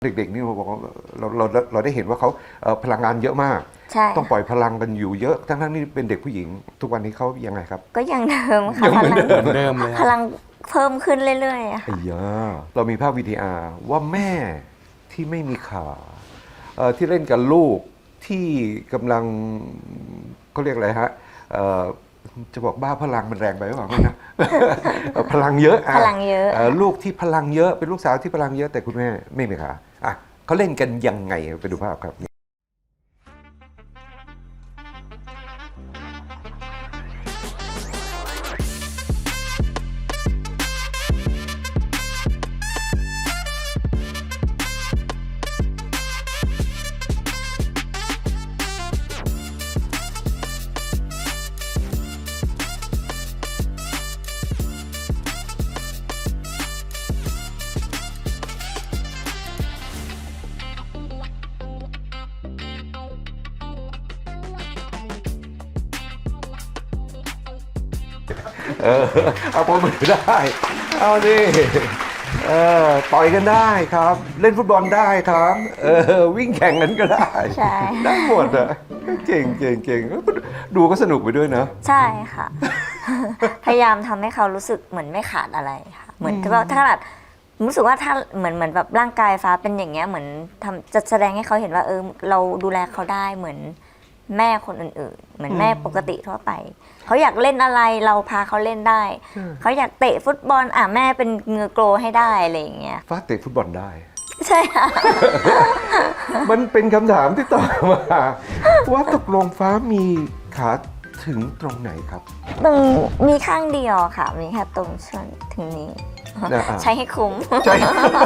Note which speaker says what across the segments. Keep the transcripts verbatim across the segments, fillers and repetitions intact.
Speaker 1: เด็กๆนี่เราบอกว่าเราเราเราได้เห็นว่าเขาพลังงานเยอะมากต้องปล่อยพลังกันอยู่เยอะทั้งๆนี่เป็นเด็กผู้หญิงทุกวันนี้เขายังไงครับ
Speaker 2: ก็ยังเดิมค่ะ
Speaker 1: ยังเหมือนเดิม
Speaker 3: เดิมเลย
Speaker 2: พลังเพิ่มขึ้นเรื่อยๆค่ะ
Speaker 1: ไอ้ยาเรามีภาพวิดีอาร์ว่าแม่ที่ไม่มีขาที่เล่นกับลูกที่กำลังเขาเรียกอะไรฮะจะบอกบ้าพลังมันแรงไปหรือเปล่านะ พลังเยอะ
Speaker 2: พลังเยอะ
Speaker 1: ลูกที่พลังเยอะเป็นลูกสาวที่พลังเยอะแต่คุณแม่ไม่มีขาอ่ะเขาเล่นกันยังไงไปดูภาพครับเออเอาปมมือได้เอาดิเออต่อยกันได้ครับเล่นฟุตบอลได้ครับเออวิ่งแข่งกันก็ได้
Speaker 2: ใช่
Speaker 1: ได้หมดอ่ะเก่งเก่งเก่งดูก็สนุกไปด้วยนะ
Speaker 2: ใช่ค่ะ พยายามทำให้เขารู้สึกเหมือนไม่ขาดอะไรค่ะเหมือนว่าถ้าแบบรู้สึกว่าถ้าเหมือนเหมือนแบบร่างกายฟ้าเป็นอย่างเงี้ยเหมือนทำจะแสดงให้เขาเห็นว่าเออเราดูแลเขาได้เหมือนแม่คนอื่นๆเหมือนแม่ปกติทั่วไปเขาอยากเล่นอะไรเราพาเขาเล่นได้เขาอยากเตะฟุตบอลอ่ะแม่เป็นเงือโกลให้ได้อะไรอย่างเงี้ย
Speaker 1: ฟ้าเตะฟุตบอลได้
Speaker 2: ใช่ค่ะ
Speaker 1: มันเป็นคำถามที่ต่อมาว่าตกลงฟ้ามีขาถึงตรงไหนครับ
Speaker 2: ตรงมีข้างเดียวค่ะมีแค่ตรงส่วนถึงนี้ใช้ให้คุ้ม
Speaker 1: ใช่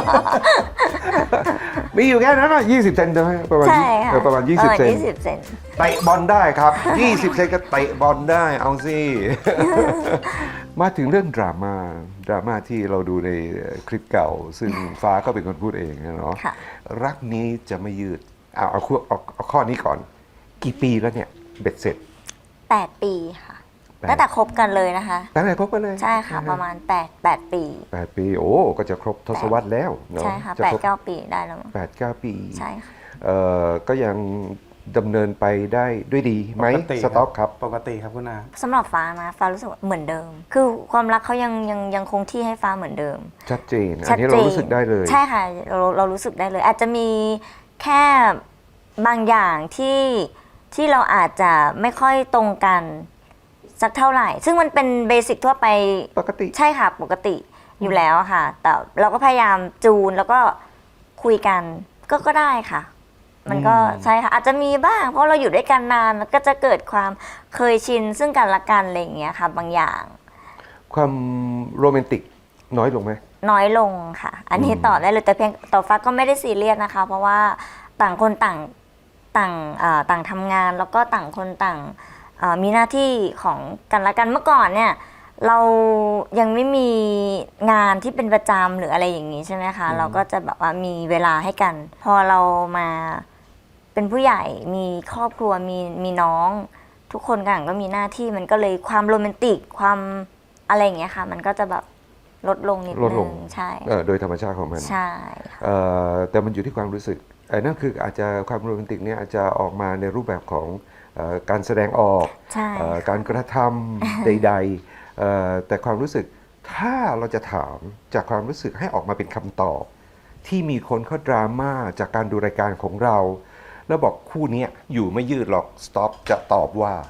Speaker 1: มีอยู่แค่นั้นอ่ะยี่สิบเซนใช่ไหมประมาณประมาณยี่สิบเซนเตะบอลได้ครับยี่สิบเซนก็เตะบอลได้เอาสิมาถึงเรื่องดราม่าดราม่าที่เราดูในคลิปเก่าซึ่งฟ้าก็เป็นคนพูดเองเนาะรักนี้จะไม่ยืดเอาเอาเอาเอาข้อนี้ก่อนกี่ปีแล้วเนี่ยเบ็ดเสร็จ
Speaker 2: แปดปีค่ะตั้งแต่คบกันเลยนะคะ
Speaker 1: ตั้งแต่คบกันเลย
Speaker 2: ใช่ค่ะประมาณแปด แปดปี
Speaker 1: แปดปีโอ้ก็จะครบทศวรรษแล้วเนาะ
Speaker 2: ใช่ค่ะแปด เก้าปีได้แล้ว
Speaker 1: แปด เก้าปี
Speaker 2: ใช่ค่ะ
Speaker 1: เอ่อก็ยังดำเนินไปได้ด้วยดีไหมสต็อกครับ
Speaker 3: ปกติครับคุณอา
Speaker 2: สำหรับฟ้านะฟ้ารู้สึกเหมือนเดิมคือความรักเขายังยังยังคงที่ให้ฟ้าเหมือนเดิม
Speaker 1: ชัดเจนอันนี้เรารู้สึกได้เลย
Speaker 2: ใช่ค่ะเราเรารู้สึกได้เลยอาจจะมีแค่บางอย่างที่ที่เราอาจจะไม่ค่อยตรงกันสักเท่าไหร่ซึ่งมันเป็นเบสิกทั่วไป
Speaker 1: ปกติ
Speaker 2: ใช่ค่ะปกติอยู่แล้วค่ะแต่เราก็พยายามจูนแล้วก็คุยกันก็ก็ได้ค่ะมันก็ใช่ค่ะอาจจะมีบ้างเพราะเราอยู่ด้วยกันนานมันก็จะเกิดความเคยชินซึ่งกันและกันอะไรอย่างเงี้ยค่ะบางอย่าง
Speaker 1: ความโรแมนติกน้อยลงไหม
Speaker 2: น้อยลงค่ะอันนี้ตอบได้เลยแต่เพียงต่อฟ้าก็ไม่ได้ซีเรียสนะคะเพราะว่าต่างคนต่างต่างต่างทำงานแล้วก็ต่างคนต่างมีหน้าที่ของกันและกันเมื่อก่อนเนี่ยเรายังไม่มีงานที่เป็นประจำหรืออะไรอย่างนี้ใช่ไหมคะเราก็จะแบบว่ามีเวลาให้กันพอเรามาเป็นผู้ใหญ่มีครอบครัวมีมีน้องทุกคนต่างก็มีหน้าที่มันก็เลยความโรแมนติกความอะไรอย่างเงี้ยค่ะมันก็จะแบบลดลงนิดนึงใช่
Speaker 1: โดยธรรมชาติของมัน
Speaker 2: ใช่
Speaker 1: แต่มันอยู่ที่ความรู้สึกไอ้นั่นคืออาจจะความโรแมนติกเนี่ยอาจจะออกมาในรูปแบบของการแสดงออกการกระทำใดๆแต่ความรู้สึกถ้าเราจะถามจากความรู้สึกให้ออกมาเป็นคำตอบที่มีคนเขาดราม่าจากการดูรายการของเราแล้วบอกคู่นี้อยู่ไม่ยืดหรอกสต็อปจะตอบว่า